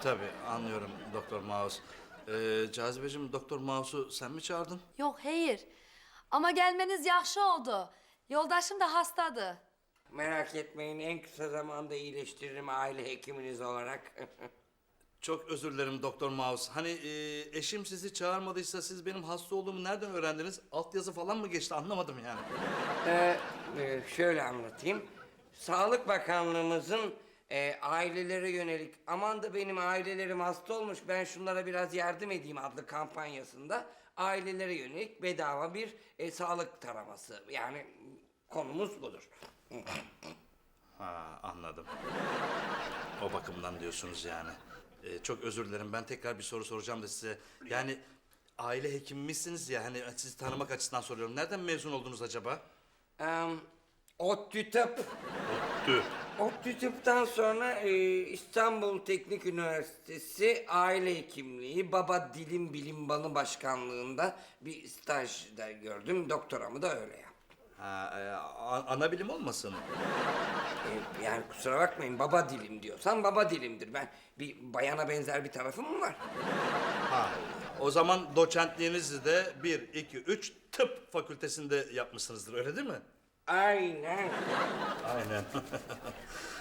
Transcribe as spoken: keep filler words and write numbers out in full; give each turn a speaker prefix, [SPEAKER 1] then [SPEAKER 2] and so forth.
[SPEAKER 1] Tabii anlıyorum Doktor Mouse. Ee, Cazibeciğim, Doktor Mouse'u sen mi çağırdın?
[SPEAKER 2] Yok hayır. Ama gelmeniz yaxşı oldu. Yoldaşım da hastadı.
[SPEAKER 3] Merak etmeyin, en kısa zamanda iyileştiririm aile hekiminiz olarak.
[SPEAKER 1] Çok özür dilerim Doktor Mouse. Hani e, eşim sizi çağırmadıysa siz benim hasta olduğumu nereden öğrendiniz? Altyazı falan mı geçti, anlamadım yani.
[SPEAKER 3] Ee, e, şöyle anlatayım. Sağlık Bakanlığımızın e, ailelere yönelik aman da benim ailelerim hasta olmuş ben şunlara biraz yardım edeyim adlı kampanyasında ailelere yönelik bedava bir e, sağlık taraması. Yani konumuz budur.
[SPEAKER 1] Ha, anladım. O bakımdan diyorsunuz yani. Ee, çok özür dilerim. Ben tekrar bir soru soracağım da size. Yani aile hekimi misiniz ya? Hani sizi tanımak açısından soruyorum. Nereden mezun oldunuz acaba?
[SPEAKER 3] Ee, ODTÜ Tıp.
[SPEAKER 1] Tüh.
[SPEAKER 3] ODTÜ Tıp'tan sonra e, İstanbul Teknik Üniversitesi Aile Hekimliği Baba Dilim Bilim Balı Başkanlığı'nda bir stajda gördüm. Doktoramı da öyle yaptım.
[SPEAKER 1] Ha, e, a- ana bilim olmasın?
[SPEAKER 3] E, yani kusura bakmayın baba dilim diyorsan baba dilimdir. Ben bir bayana benzer bir tarafım mı var?
[SPEAKER 1] Ha, o zaman doçentliğinizi de bir, iki, üç tıp fakültesinde yapmışsınızdır, öyle değil mi?
[SPEAKER 3] Aynen.
[SPEAKER 1] Aynen.